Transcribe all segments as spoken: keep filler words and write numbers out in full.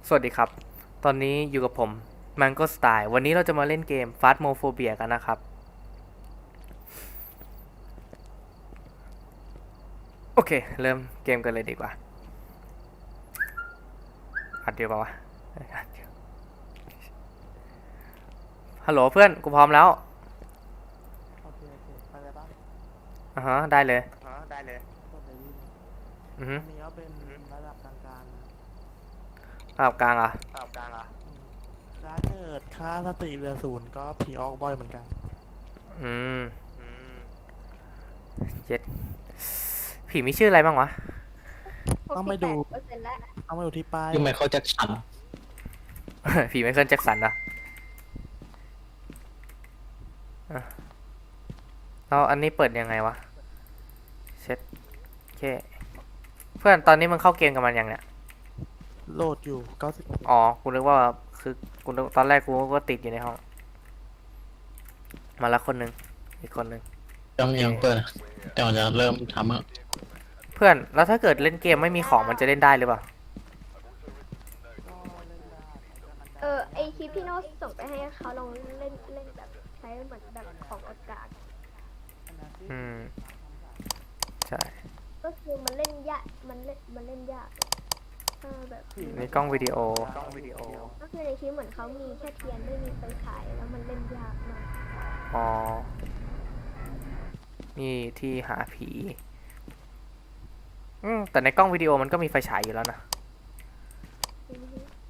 สวัสดีครับ ตอนนี้อยู่กับผม Mango Style วันนี้เราจะมาเล่นเกม Phasmophobia กันนะครับ โอเค เริ่มเกมกันเลยดีกว่า อัดเดียวป่าวะอัดเดียวฮัลโหลเพื่อน กูพร้อมแล้วโอเคโอเคไปเลยปะอ่าฮะ ได้เลยอ๋อได้เลยกดเลยดีอือฮึอันนี้ก็เป็นระดับกลางๆนะระดับกลางอ่ะตอบกลางอ่ะอืมถ้าเกิดค่าสติเหลือศูนย์ก็ผีออกบ่อยเหมือนกันอืมอืมเจ็ดผีมีชื่ออะไรบ้างวะต้องไปดูเปอร์เซ็นต์แล้วต้องไปดูที่ป้ายยูไมเคิลแจ็คสันผีไมเคิลแจ็คสันอ่ะอ่ะแล้วอันนี้เปิดยังไงวะ เช็ดโอเค เพื่อนตอนนี้มึงเข้าเกมกับมันยังเนี่ยโหลดอยู่เก้าสิบเปอร์เซ็นต์อ๋อ กูนึกว่าคือกูนึกตอนแรกกูก็ติดอยู่ในห้อง มาละคนหนึ่งอีกคนหนึ่งยังยังเปิดแต่เราจะเริ่มทำอะเพื่อน แล้วถ้าเกิดเล่นเกมไม่มีของมันจะเล่นได้หรือเปล่าก็เล่นได้แต่มันจะเออไอคลิปที่โน้ตส่งไปให้เขาลองเล่นเล่นแบบใช้เหมือนแบบของอากาศอืม ใช่ก็คือมันเล่นยากมันเล่นมันเล่นยากเออแบบนี่กล้องวิดีโอกล้องวิดีโอก็คือในคลิปเหมือนเขามีแค่เทียนไม่มีไฟฉายแล้วมันเล่นยากมากอ๋อ นี่ที่หาผี อืม แต่ในกล้องวิดีโอมันก็มีไฟฉายอยู่แล้วนะอือฮึ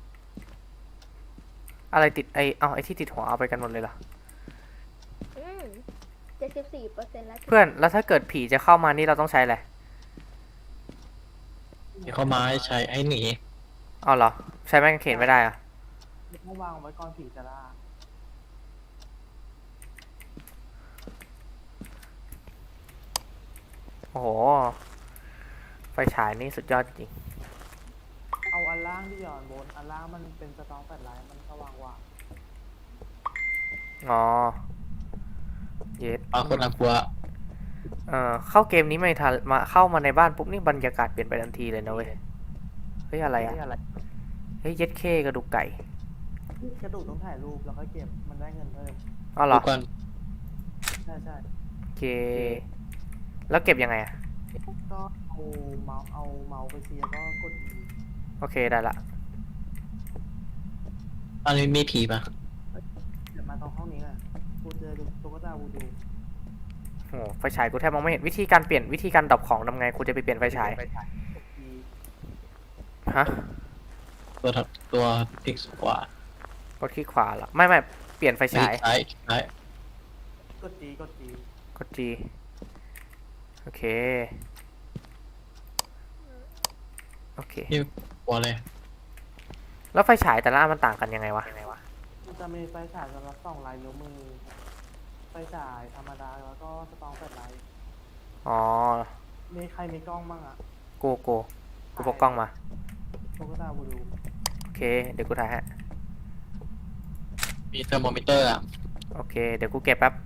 อะไรติดไอเอาไอที่ติดหัวเอาไปกันหมดเลยเหรออืมเจ็ดสิบสี่เปอร์เซ็นต์แล้วเพื่อน แล้วถ้าเกิดผีจะเข้ามานี่เราต้องใช้อะไรที่เข้ามาให้ใช้ให้หนีอ๋อเหรอ ใช้ไม้กางเขนไม่ได้เหรอะต้องวางไว้ก่อนผีจะล่าโอ้โห ไฟฉายนี่สุดยอดจริงเอาอันล่างที่หย่อนบนอันล่างมันเป็นสตองแฟลชไลท์มันสว่างกว่าอ๋อ เย็ดปรากฏน่ากลัวเอ่อเข้าเกมนี้ไม่ทันมาเข้ามาในบ้านปุ๊บนี่บรรยากาศเปลี่ยนไปทันทีเลยนะเว้ย เฮ้ยอะไรอ่ะ เฮ้ยเย็ดเคกระดูกไก่กระดูกต้องถ่ายรูปแล้วค่อยเก็บมันได้เงินเพิ่มอ๋อเหรดูอก่อนใช่ใช่โอเค แล้วเก็บยังไงอ่ะก็เอาเมาส์เอาเมาส์ไปเชียร์ก็กด E โอเคได้ละอันนี้มีผีปะเดี๋ยวมาตรงห้องนี้เลยกูเจอตุ๊กตาวูดูโอ้ไฟฉายกูแทบมองไม่เห็นวิธีการเปลี่ยนวิธีการดับของทำไงกูจะไปเปลี่ยนไฟฉายกด E ฮะตัวถัดตัวพลิกขวากดคลิกขวาเหรอ ไม่ไม่เปลี่ยนไฟไม่ฉายซ้ายซ้ายกด G กด G กด G โอเค โอเคนี่กลัวเลยแล้วไฟฉายแต่ละอันมันต่างกันยังไงวะมันจะมีไฟฉายสำหรับส่องลายนิ้วมือไฟฉายธรรมดาแล้วก็สตองแฟลชไลท์อ๋อมีใครมีกล้องบ้างอะกูกูกูพกกล้องมาตุ๊กตาวูดูโอเค เดี๋ยวกูถ่ายให้มีเทอร์โมมิเตอร์อะโอเค เดี๋ยวกูเก็บแป๊บ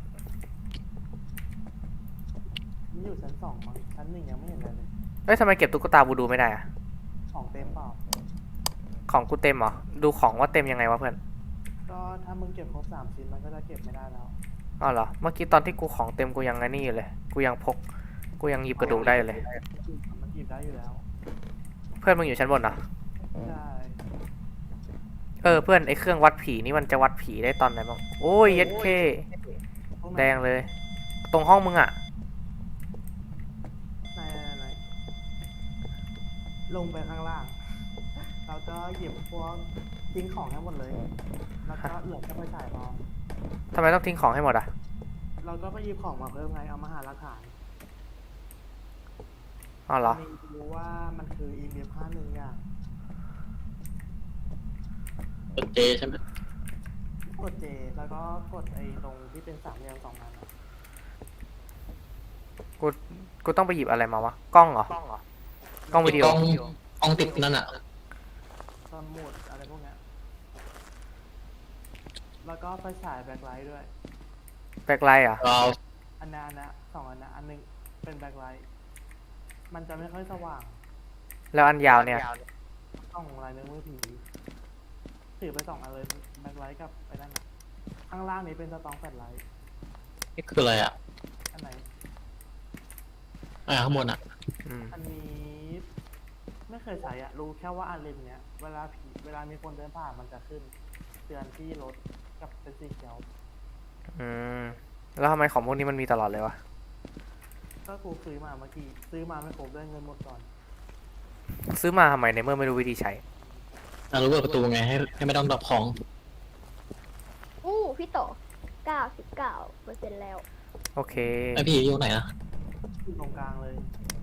นี่อยู่ชั้นสองมั้งชั้นหนึ่งยังไม่เห็นอะไรเลยเอ้ยทำไมเก็บตุ๊กตาบูดูไม่ได้อะของเต็มเปล่าของกูเต็มเหรอ ดูของว่าเต็มยังไงวะเพื่อนก็ถ้ามึงเก็บครบสามชิ้นมันก็จะเก็บไม่ได้แล้วอ๋อเหรอ เมื่อกี้ตอนที่กูของเต็มกูยังไงนี่อยู่เลย กูยังพก กูยังหยิบกระดูกได้อยู่เลยมันหยิบได้อยู่แล้วเพื่อนมึงอยู่ชั้นบนเหรอใช่เออเพื่อนไอเครื่องวัดผีนี่มันจะวัดผีได้ตอนไหนบ้าง โอ้ยเย็ดเคตรงไหนแดงเลย ตรงห้องมึงอะไหนไหนไหนลงไปข้างล่าง แล้วก็หยิบพวกทิ้งของให้หมดเลย แล้วก็เหลือแค่ไฟฉายพอทำไมต้องทิ้งของให้หมดอะเราก็ไปหยิบของมาเพิ่มไง เอามาหาหลักฐานอ๋อเหรอมีรู้ว่ามันคือ อี เอ็ม เอฟ ห้าหนึ่งอย่างตัวเจใช่ไหมกด J แล้วก็กดไอ้ตรงที่เป็นสามเหลี่ยมสองนั้นอะกู กูต้องไปหยิบอะไรมาวะ กล้องเหรอ กล้องวิดีโอกล้องกล้องติดนั่นอะสมุดอะไรพวกเนี้ย แล้วก็ไฟฉายแบ็คไลท์ด้วยแบ็คไลท์อะเราอันนั้นอันนะสองอันนะอันหนึงเป็นแบ็คไลท์มันจะไม่ค่อยสว่างแล้วอันยาวเนี่ยต้องลายนิ้วมือผีถือไปสองอันเลยแบ็คไลท์กับไอ้นั่นน่ะข้างล่างนี้เป็นสตองแฟลชไลท์นี่คืออะไรอ่ะอันไหนอ่าข้างบนอ่ะอืมอันนี้ไม่เคยใช้อะรู้แค่ว่าอันเลนเนี้ยเวลาผีเวลามีคนเดินผ่านมันจะขึ้นเตือนที่รถกับเป็นสีเขียวอืมแล้วทำไมของพวกนี้มันมีตลอดเลยวะก็กูซื้อมาเมื่อกี้ซื้อมาไม่ครบด้วยเงินหมดก่อนซื้อมาทำไมในเมื่อไม่รู้วิธีใช้อ่ารู้เปิดประตูไงให้ให้ไม่ต้องดรอปของอู้พี่โตเก้าสิบเก้าเปอร์เซ็นต์แล้วโอเคไอพี่อยู่ไหนนะอยู่ตรงกลางเลย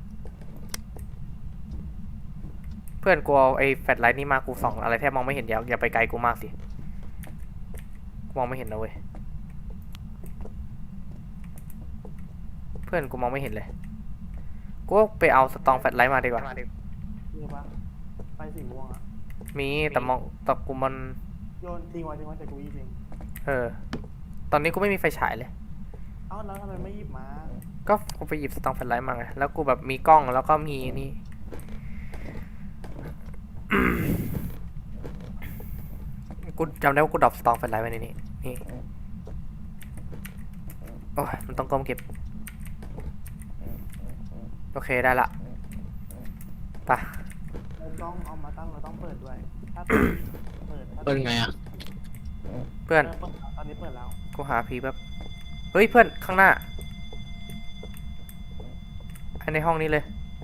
เพื่อนกูเอาไอ้แฟลชไลท์นี่มากูส่องอะไรแทบมองไม่เห็นอย่าอย่าไปไกลกูมากสิกูมองไม่เห็นนะเว้ยเพื่อนกูมองไม่เห็นเลยกูไปเอาสตองแฟลชไลท์มาดีกว่านี่ปะไฟสีม่วงอะมีแต่มองแต่กูมันโยนทิ้งไว้ทิ้งไว้แต่กูหยิบเองเออตอนนี้กูไม่มีไฟฉายเลยเอ้าแล้วทำไมไม่หยิบมาก็กูไปหยิบสตองแฟลชไลท์มาไงแล้วกูแบบมีกล้องแล้วก็มีนี่ กูจำได้ว่ากูดรอปสตองแฟลชไลท์ไว้ในนี้นี่โอ้ยมันต้องก้มเก็บโอเคได้ละไปะเราต้องเอามาตั้งเราต้องเปิดด้วย ถ้าเปิดเปิดถ้าเปิดไงอ่ะเพื่อนเปิดแล้วตอนนี้เปิดแล้วกูหาผีแบบเฮ้ยเพื่อนข้างหน้าไอ้ในห้องนี้เลย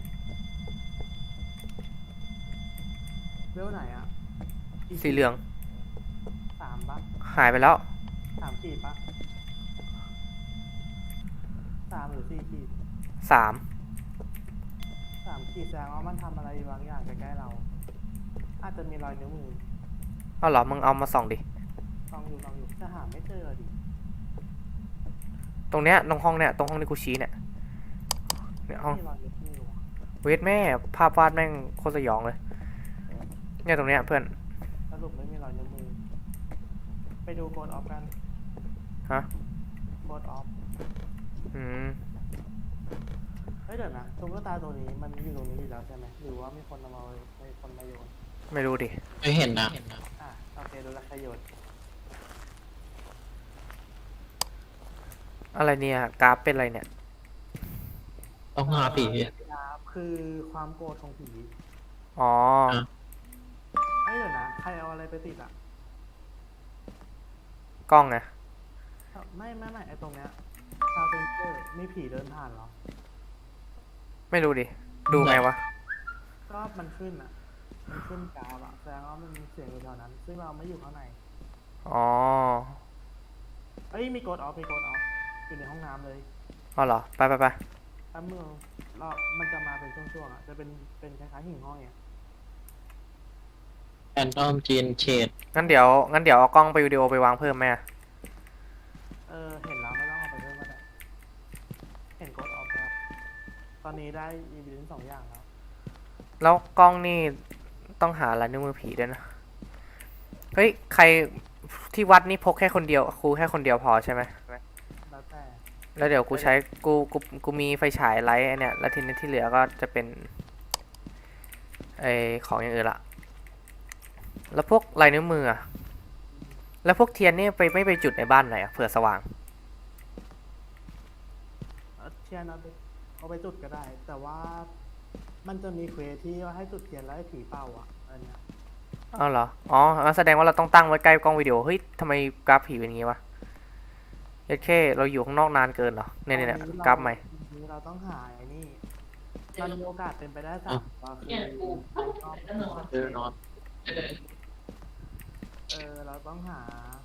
เวลไหนอ่ะกี่สีเหลืองสามปะหายไปแล้วสามขีดปะสามหรือสี่ขีดสามสามขีดแสดงว่ามันทำอะไรบางอย่างใกล้ๆเรา อาจจะมีรอยนิ้วมือเอาเหรอมึงเอามาส่องดิลองอยู่ลองอยู่จะหาไม่เจอดิตรงเนี้ยตรงห้องเนี้ยตรงห้องที่กูชี้เนี่ยเนี่ยห้องมีรอยนิ้วมือว่ะเวทแม่ภาพวาดแม่งโคตรสยองเลยเนี่ยตรงเนี้ยเพื่อนสรุปไม่มีรอยนิ้วมือ ไปดูโกดออฟกันฮะโกดออฟอืมเฮ้ยเดี๋ยวนะตุ๊กตาตัวนี้มันอยู่ตรงนี้อยู่แล้วใช่ไหมหรือว่ามีคนเอามาไว้มีคนมาโยนไม่รู้ดิไม่เห็นนะอ่ะโอเคดูแลวใครโยนอะไรเนี่ยกราฟเป็นอะไรเนี่ยต้องหาผีครับคือความโกรธของผีอ๋อเฮ้ยเดี๋ยวนะใครเอาอะไรไปติดอ่ะกล้องไงไม่ไม่ไม่ไอตรงเนี้ยซาวเซนเซอร์มีผีเดินผ่านเหรอไม่รู้ดิดูไงวะก็มันขึ้นอ่ะ มันขึ้นกราฟอ่ะแสดงว่ามันมีเสียงอยู่แถวนั้น ซึ่งเราไม่อยู่ข้างในอ๋อเอ้ยมีโกดออฟมีโกดออฟอยู่ในห้องน้ำเลยอ๋อเหรอไปไปไปถ้าเมื่อเรามันจะมาเป็นช่วงๆอ่ะจะเป็นเป็นคล้ายๆหิ่งห้อยอ่ะแอนทอมจีนเชดงั้นเดี๋ยวงั้นเดี๋ยวเอากล้องไปวิดีโอไปวางเพิ่มไหมอะเออเห็นแล้วไม่ต้องเอาไปเพิ่มก็ได้เห็นโกดออฟแล้วตอนนี้ได้อีวินสองอย่างแล้วแล้วกล้องนี่ต้องหาลายนิ้วมือผีด้วยนะเฮ้ยใครที่วัดนี่พกแค่คนเดียวครูแค่คนเดียวพอใช่ไหมแล้วแต่แล้วเดี๋ยวกูใช้กูกูกูมีไฟฉายไลท์ไอ้เนี่ยแล้วทีนี้ที่เหลือก็จะเป็นไอของอย่างอื่นละแล้วพวกลายนิ้วมืออะแล้วพวกเทียนนี่ไปไม่ไปจุดในบ้านไหนอะเผื่อสว่างเอาเทียนเอาไปเอาไปจุดก็ได้ แต่ว่ามันจะมีเควสที่ว่าให้จุดเทียนแล้วให้ผีเป่าอ่ะอันเนี้ยอ้าวเหรออ๋องั้นแสดงว่าเราต้องตั้งไว้ใกล้กล้องวิดีโอเฮ้ยทำไมกราฟผีเป็นอย่างงี้วะเอเคเราอยู่ข้างนอกนานเกินเหรอเนี่ยเนี่ยเนี่ยตอนนี้กราฟใหม่ตอนนี้เราต้องหาไอ้นี่มันมีโอกาสเป็นไปได้สามว่าคือชอบเออนอนเออเราต้องหา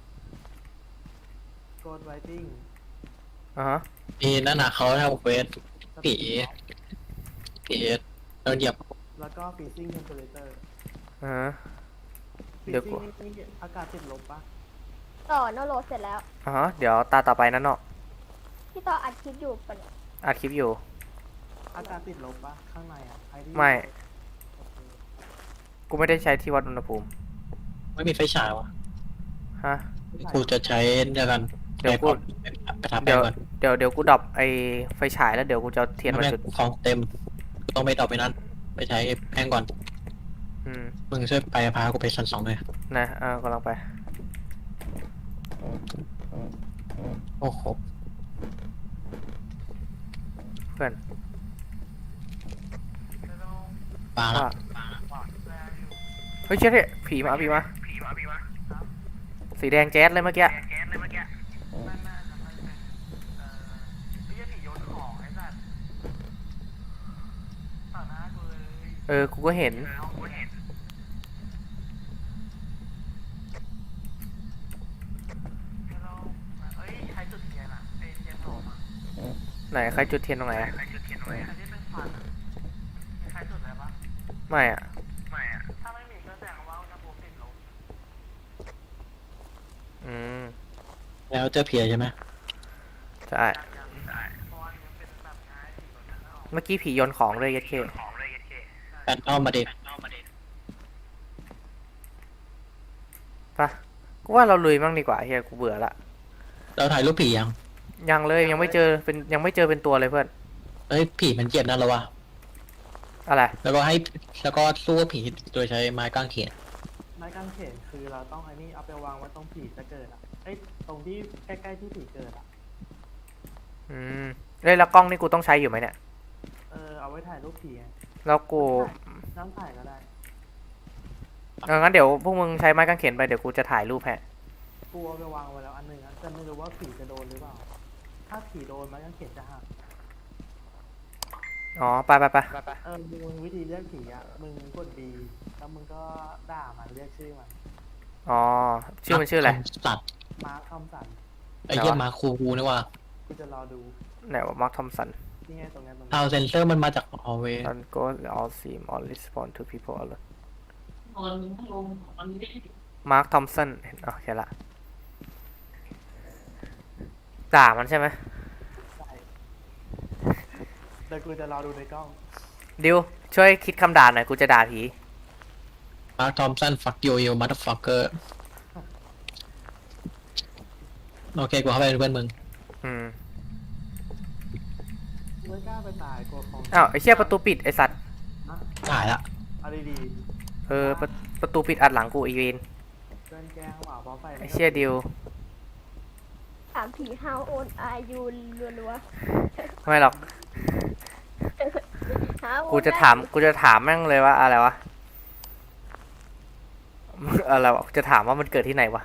Ghost Writing อ่าฮะมีนั่นน่ะเขาทำเควสผีผีเราเหยียบแล้วก็ Freezing Temperature อ่าฮะ เดี๋ยว Freezing นี่นี่อากาศติดลบปะต่อโนโรเสร็จแล้วอ่าฮะเดี๋ยวตาต่อไปนั่นเนาะพี่ต่ออัดคลิปอยู่ปะเนี่ยอัดคลิปอยู่อากาศติดลบปะข้างในอ่ะใครที่ไม่โอเคกูไม่ได้ใช้ที่วัดอุณหภูมิไม่มีไฟฉายวะฮะกูจะใช้เดียวกันเดี๋ยวกูไปทำไปเดี๋ยวก่อนเดี๋ยวเดี๋ยวกูดับไอไฟฉายแล้วเดี๋ยวกูจะเอาเทียนมาไม่จุดของเต็มกูต้องไปต่อไปนั้น ไปใช้แพงก่อนออืมมึงช่วยไปพากูไปชั้นสองเลยนะเออกำลังไปโอ้โหเพื่อนปาละว่าเฮ้ยเชี่ยเนี่ยผีมาผีมาสีแดงแจ๊สเลยเมื่อกี้เออกูก็เห็นไหนใครจุดเทียนตรงไหนอะไม่อะอืมแล้วเจอเพียใช่ไหมใช่เมื่อกี้ผีโยนของเลยยัดเคแฟนเข้ามาเด็กปะกูว่าเราลุยมั่งดีกว่าเฮียกูเบื่อละเราถ่ายรูปผียังยังเลยยังไม่เจอเป็นยังไม่เจอเป็นตัวเลยเพื่อนเอ้ยผีมันเจ็บนะเราวะอะไรแล้วก็ให้แล้วก็สู้กับผีโดยใช้ไม้กางเขนไม้กางเขนคือเราต้องไอ้นี่เอาไปวางไว้ตรงผีจะเกิดอ่ะเอ้ยตรงที่ใกล้ๆที่ผีเกิดอ่ะอืมเอ้ยแล้วกล้องนี่กูต้องใช้อยู่ไหมเนี่ยเออเอาไว้ถ่ายรูปผีไงแล้วกูน้ำถ่ายก็ได้เอองั้นเดี๋ยวพวกมึงใช้ไม้กางเขนไปเดี๋ยวกูจะถ่ายรูปแฮะกูเอาไปวางไว้แล้วอันหนึ่งอะแต่ไม่รู้ว่าผีจะโดนหรือเปล่า ถ้าผีโดนไม้กางเขนจะหักอ๋อไปไปไปเออมึงวิธีเรียกผีอ่ะมึงกด B แล้วมึงก็ด่ามันเรียกชื่อมันอ๋อชื่อมันชื่ออะไรสัตว์มาร์คทอมสันไอ้เหี้ยมาคูกูนี่ว่ากูจะรอดูไหนว่ามาร์คทอมสันนี่ไงตรงนี้ตรงนี้ทาวเซนเซอร์มันมาจากออเว on go all seem all respond to people alert มาร์คทอมสันเห็นอ๋อแค่ละด่ามันใช่ไหมใช่เดี๋ยวกูจะรอดูในกล้องดิวช่วยคิดคำด่าหน่อยกูจะด่าผีมาร์คทอมสันฟักยูยูมัตฟักเกอร์โอเคกูเข้าไปเป็นเพื่อนมึงอืมไม่กล้าไปตายกลัวของอ้าวไอ้เชี่ยประตูปิดไอ้สัตว์นะตายละเอาดีเออประประตูปิดอัดหลังกูอีเวนๆเพื่อนแกล้งว่าเพราะไฟไอ้เชี่ยดิวถามผี how old are you รัวไม่หรอกๆ how old กูจะถาม กูจะถามแม่งเลยว่าอะไรวะ อะไรวะกูจะถามว่ามันเกิดที่ไหนวะ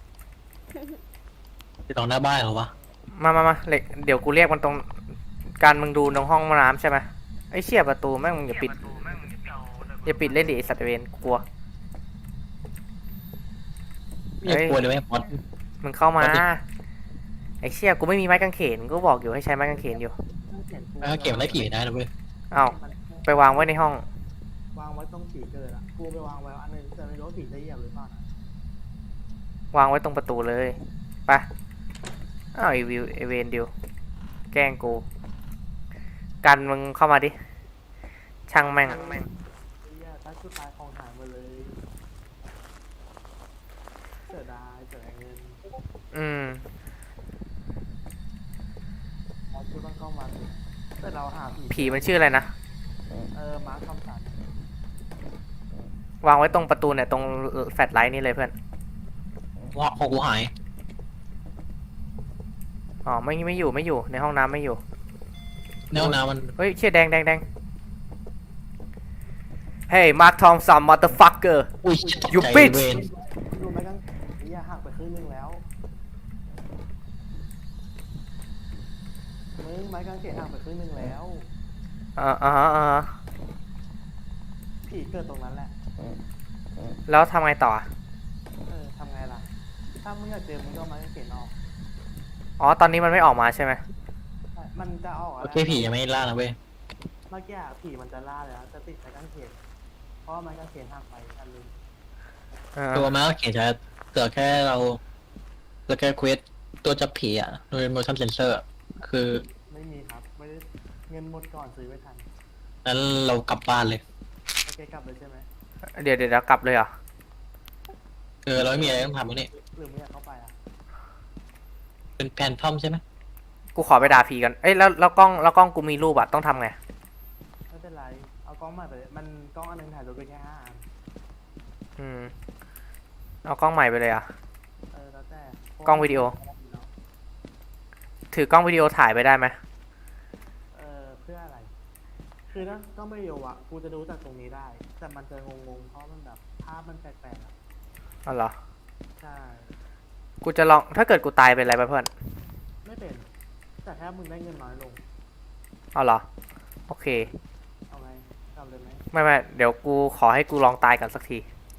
ที่ตรงหน้าบ้านเหรอวะมามามาเล็กเดี๋ยวกูเรียกมันตรง การมึงดูตรงห้องน้ำใช่ไหมไอ้เชี่ยประตูแม่งมึงอย่าปิด อย่าปิดเล่นดิไอ้สัตว์เวนกูกลัวไม่อยากกลัวเลยไหมพอดมึงเข้ามาปกติไอ้เชี่ยกูไม่มีไม้กางเขน กูบอกอยู่ให้ใช้ไม้กางเขนอยู่แล้วก็เก็บมันได้ผีได้นะเว้ยอ้าวไปวางไว้ในห้องวางไว้ตรงผีเกิดอ่ะกูไปวางไว้อันหนึงแต่ไม่รู้ว่าผีจะเหยียบหรือเปล่านะวางไว้ตรงประตูเลยไปอ้าวไอวิวไอเวนดิวแกล้งกู กันมึงเข้ามาดิ ช่างแม่งเฮียถ้าชุดตายของหายหมดเลยเสียดายเสียดายเงินอืมเรากูต้องเข้ามาสิแต่เราหาผีผีมันชื่ออะไรนะเออมาร์คทอมสันวางไว้ตรงประตูเนี่ยตรงแฟลชไลท์นี่เลยเพื่อนว่าของกูหายอ๋อไม่ไม่อยู่ไม่อยู่ในห้องน้ำไม่อยู่ในห้องน้ำมันเฮ้ยเชี่ยแดงแดงแดง Hey Mark Thompson motherfucker อุ้ย You ตกใจ bitch เวนรู้ไหมกันเฮียหักไปครึ่งนึงแล้วมึงไม้กางเขนหักไปครึ่งนึงแล้วอ่าอ่าฮะอ่าฮะผีเกิดตรงนั้นแหละแล้วทำไงต่อเออทำไงล่ะ ถ้ามึงอยากเจอมึงก็เอาไม้กางเขนออกอ๋อตอนนี้มันไม่ออกมาใช่ไหมใช่มันจะออกะโอเคผียังไม่ล่านะเว้ยเมื่อกี้อะผีมันจะล่าแล้วจะติดไม้กางเขนเพราะว่าไม้กางเขนหักไปอันนึงเออตัวมาก็เขียนจะเกิดแค่เราเหลือแค่เควสตัวจับผีอ่ะโดย motion sensor คือไม่มีครับไม่ได้เงินหมดก่อนซื้อไม่ทันนั้นเรากลับบ้านเลยโอเคกลับเลยใช่ไหมเดี๋ยวเดี๋ยวเดี๋ยวกลับเลยเหรอคือเราไม่มีอะไรต้องทำแล้วนี่หรือไม่อยากเข้าไปอ่ะเป็นแพนทอมใช่ไหมกูขอไปด่าผีกัน เอ้ยแล้วแล้วกล้องแล้วกล้องกูมีรูปอะต้องทำไงไม่เป็นไรเอากล้องใหม่ไปเลยมันกล้องอันหนึงถ่ายรูปไปแค่ห้าอันอืมเอากล้องใหม่ไปเลยอ่ะเออแล้วแต่กล้องวิดีโอ ถือกล้องวิดีโอถ่ายไปได้ไหมเออเพื่ออะไร คือถ้ากล้องวิดีโออะกูจะดูจากตรงนี้ได้ แต่มันจะงงๆ เพราะมันแบบภาพมันแปลกๆอะอ๋อเหรอใช่กูจะลองถ้าเกิดกูตายเป็นอะไรไปเพื่อนไม่เป็น แต่แค่มึงได้เงินน้อยลงอ๋อเหรอ โอเคเอาไงทำเลยไหมไม่ไม่เดี๋ยวกูขอให้กูลองตายกันสักที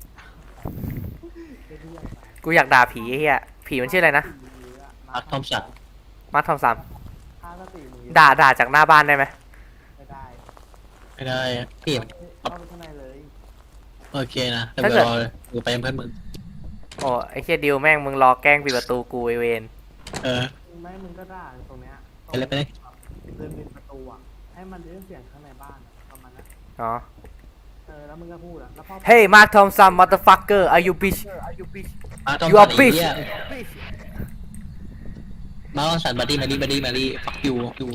เรื่อยๆกูอยากด่าผีไอ้เหี้ยผีมันชื่ออะไรนะมาร์คทอมสันมาร์คทอมสันค่าสติมึงเยอะด่าด่าจากหน้าบ้านได้ไหมไม่ได้ไม่ได้พี่เข้าไปข้างในเลยโอเคนะเดี๋ยวรอดูไปยังเพื่อนมึงโอ้ไอ้เหี้ยดิวแม่งมึงรอแกล้งปิดประตูกูไอเวนเออไม่มึงก็ด่าตรงเนี้ยไปเลยไปเลยเดินปิดประตูอะให้มันได้ยินเสียงข้างในบ้านอะประมาณนั้นอ๋อเออ แล้วมึงก็พูดอะแล้วพอ Hey Mark Thompson motherfucker are you bitch มาร์คทอม You สั are นไอ้ bitch เหี้ยมาร์คทอมสันบัดดี้มาดี้บัดดี้มาดี้ฟักยูยู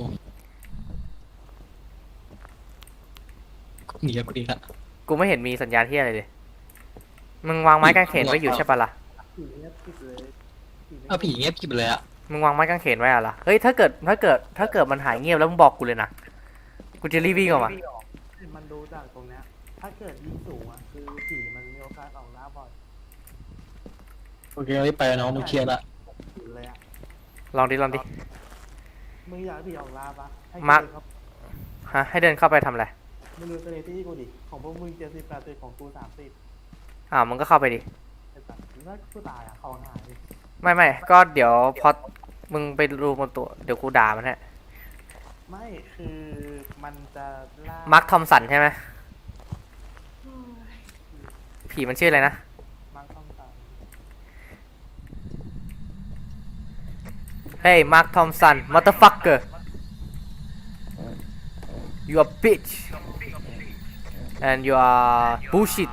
หนีแล้วกูดีละกูไม่เห็นมีสัญญาณที่อะไรเลย มึงวางไม้กางเขนไว้อยู่ใช่ปะล่ะผีเงียบกริบเลยผีไม่เอาผีเงียบกริบเลยอะมึงวางไม้กางเขนไว้อะล่ะ เฮ้ยถ้าเกิดถ้าเกิดถ้าเกิดมันหายเงียบแล้วมึงบอกกูเลยนะ กูจะรีบวิ่งออกมามันดูจากตรงเนี้ย ถ้าเกิดยิ่งสูงอะคือผีมันมีโอกาสออกหน้าบ่อยโอเครีบไปน้องมึงเคลียร์ละผีเลยอะลองดิลองดิมึงอยากให้ผีออกล่าปะให้มาร์คเดินเข้าฮะให้เดินเข้าไปทำอะไรมึงดูสเตตี้กูดิ ของพวกมึงเจ็ดสิบแปดสิบของกูสามสิบอ่าวมึงก็เข้าไปดิไอ้สัตว์แล้วกูตายอะของหายไม่ไม่ก็เดี๋ยวพอมึงไปดูบนตัวเดี๋ยวกูด่ามันฮะไม่คือมันจะล่ามาร์คทอมสันใช่ไหมผีมันชื่ออะไรนะมาร์คต้องตาย Hey Mark Thompson motherfucker you are bitch and you are bullshit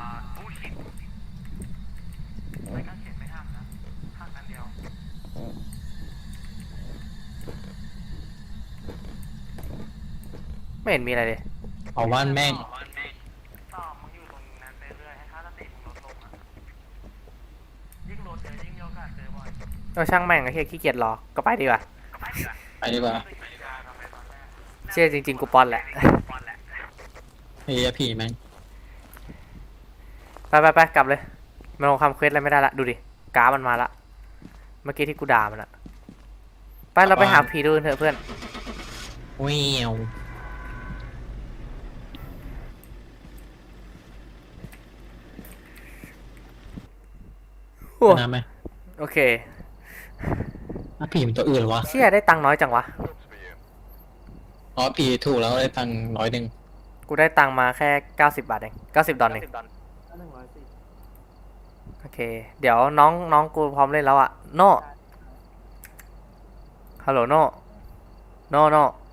ไม่เห็นมีอะไรเลยเอาว่านแม่งต่อมึงอยู่ตรงนั้นไปเรื่อยให้ค่าสติมึงลดลงอะยิ่งลดเจอยิ่งมีโอกาสเจอบ่อยก็ช่างแม่งไอ้เหี้ยขี้เกียจรอ ก็ไปดีกว่าไปดีกว่าเชื่อจริงๆกูปอนแหละเฮียผีแม่งไปไปไปกลับเลยมันลงคำเควสอะไรไม่ได้ละ ดูดิกราฟมันมาละ เมื่อกี้ที่กูด่ามันอะไปเราไปหาผีดูกันเถอะเพื่อนวิวโอ้น้ำไหมโอเคอ่ะผีมันตัวอื่นเหรอวะเชี่ยได้ตังค์น้อยจังวะอ๋อผีถูกแล้วได้ตังค์ร้อยหนึ่งกูได้ตังค์มาแค่เก้าสิบบาทเองเก้าสิบดอลลาร์เองถ้าหนึ่งร้อยสิบโอเค เดี๋ยวน้องน้องกูพร้อมเล่นแล้วอะโน่ฮัลโหลโน่โน่โน่